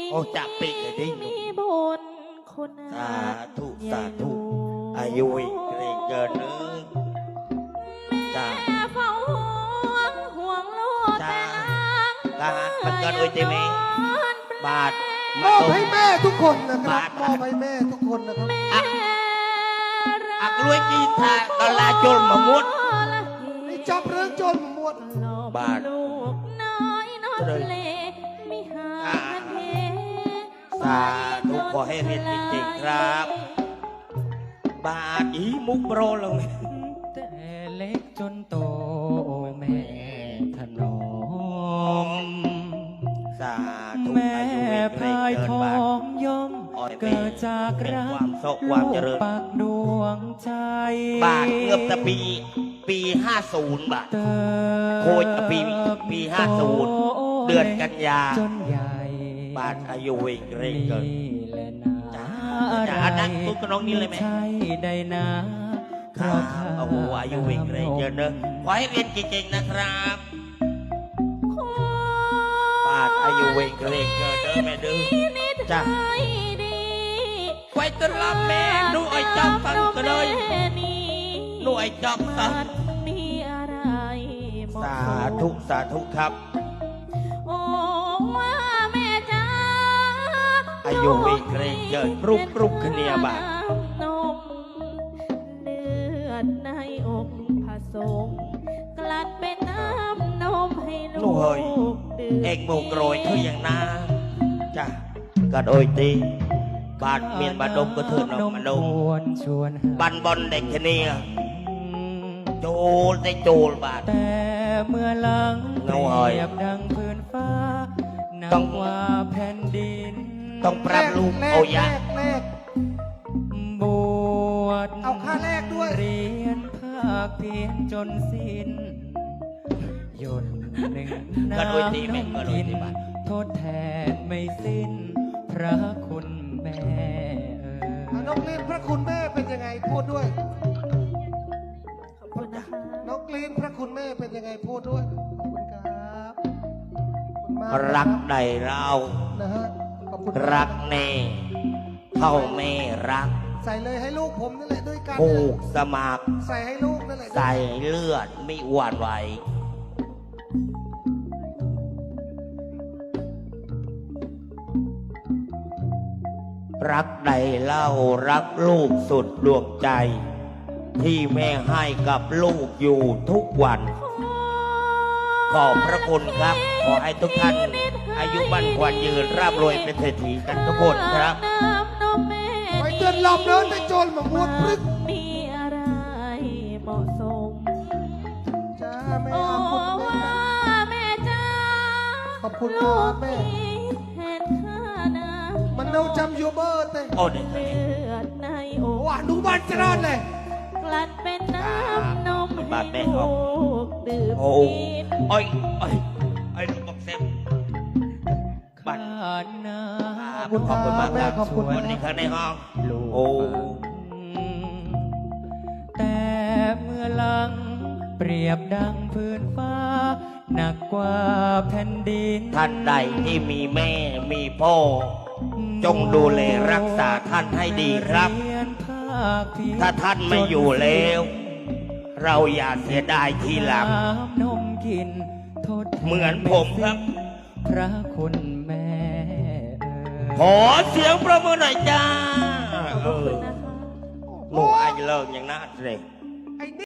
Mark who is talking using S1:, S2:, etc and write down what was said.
S1: โอ้จับปีกเลยดิหนุ่ม
S2: บนคน
S1: สาธุสาธุอายุอีกเกรงเกินนึงจ้า
S2: เฝ้าห่วงลูก
S1: จ้า
S2: แต่นาง
S1: ลามันเกินโอ้ยเจมี่บาท
S3: มอบให้แม่ทุกคนนะครับมอบให้แม่ทุกคนนะครับ
S1: อักลุยกีตาดอลลาร์จนมามุด
S3: ไอ้จับเรื่องจนหมด
S1: บาท
S2: ลูกน้อยนอนทะเลไม่หาเท
S1: สาธุขอให้เรียนจริงๆครับ บาทอีมุกโปรลง
S4: แต่เล็กจนโตแม่ถนอม
S1: สาธุ
S4: แม่พายทอ
S1: ง
S4: งย่อมเกิดจากรัก
S1: ความโศกความเจริญ
S4: ปักดวงใจ
S1: บาทเกือบจะปี50บาทโคยปี50เดือนกันยา
S4: จนใหญ่
S1: บาทอายุวิ่งเร่งเกินจ้าอันนั้นตุ๊กน้องนี่เลยไหม
S4: ใช่ได้นะ
S1: โอ้โหอายุวิ่งเร่งเกินเนอะขอให้เรียนเก่งๆนะครับบาทอายุวิ่งเร่งเกินเด้อแม่ดื้อจ้าไว้ต้อนรับแม่ดูไอ้จอมตังก็เลยดูไอ้จอมตังสาธุสาธุครับ
S2: โอ้ว่าแม่จ้า
S1: อายุวิ่งเร่งเกินรุกขึ้นเนี่ยบาท
S2: นมเลือดในอกผสมกลัดเป็นน้ำนมให้ลูกดื่ม
S1: เอกโมงโกรยคืออย่างน่าจ้ะกัดโอยตีบาดเมียนบาดดมก็เถิดนมมาดมบันบอลเด็กแค่นี้โจลได้โจลบาด
S4: แต่เมื่อหลังเปรียบดังพื้นฟ้าต้องว่าแผ่นดิน
S1: ต้องปรับลูกโอยะ
S4: บวช
S3: เอาค่าแรกด้วย
S4: เรียนภาคเพียนจนสิ้นหยดหนึ่งน้ำกินโทษแทนไม่สิ้นพระคุณแม่
S3: น้องกรีนพระคุณแม่เป็นยังไงพูดด้วย
S2: ขอบคุณนะคะ
S3: น้องกรีนพระคุณแม่เป็นยังไงพูดด้วยขอบคุณครับ
S1: รักใดเรา
S3: นะฮะ
S1: รักแน่เท่าแม่รัก
S3: ใส่เลยให้ลูกผมนั่นแหละด้วยกัน
S1: ผูกสมัคร
S3: ใส่ให้ลูกนั่นแหละ
S1: ใส่เลือดไม่หวั่นไหวรักใดเล่ารักลูกสุดดวงใจ ที่แม่ให้กับลูกอยู่ทุกวันขอบพระคุณครับขอให้ทุกท่านอายุมั่นขวัญยืนร่ำรวยเป็นเศรษฐีกันทุกคนครับ
S3: ไปเตือนลำเดินไปโจรมาบวชพรึก
S2: มีอะไรเหมาะสม
S3: จ้าแม่ขอบคุณ
S2: แม่จ้า
S3: ขอบคุณครับแม่มันเราจำยูเบอร์เต้
S1: โอ้เด็ก
S2: เลือดในอก
S3: ว่าดูบ้านจะรอดเลย
S2: กลัดเป็นน้ำนมให้ลูกดื่ม
S1: โอ้ไอ้ลูกบอกเซฟ
S4: บ้านนา
S1: ขอบคุณมากครับขอบคุณวันนี้ข้างในห้องโอ้
S4: แต่เมื่อหลังเปรียบดังพื้นฟ้าหนักกว่าแผ่นดิน
S1: ท่านใดที่มีแม่มีพ่อจงดูแลรักษาท่านให้ดีครับถ้าท่านไม่อยู่แล้วเราอย่าเสียดายทีหลังเหมือนผมครับ
S4: พระคุณแม่
S1: ขอเสียงประมือหน่อยจ้าหนูไอ้เลิกอย่างนั้นเลย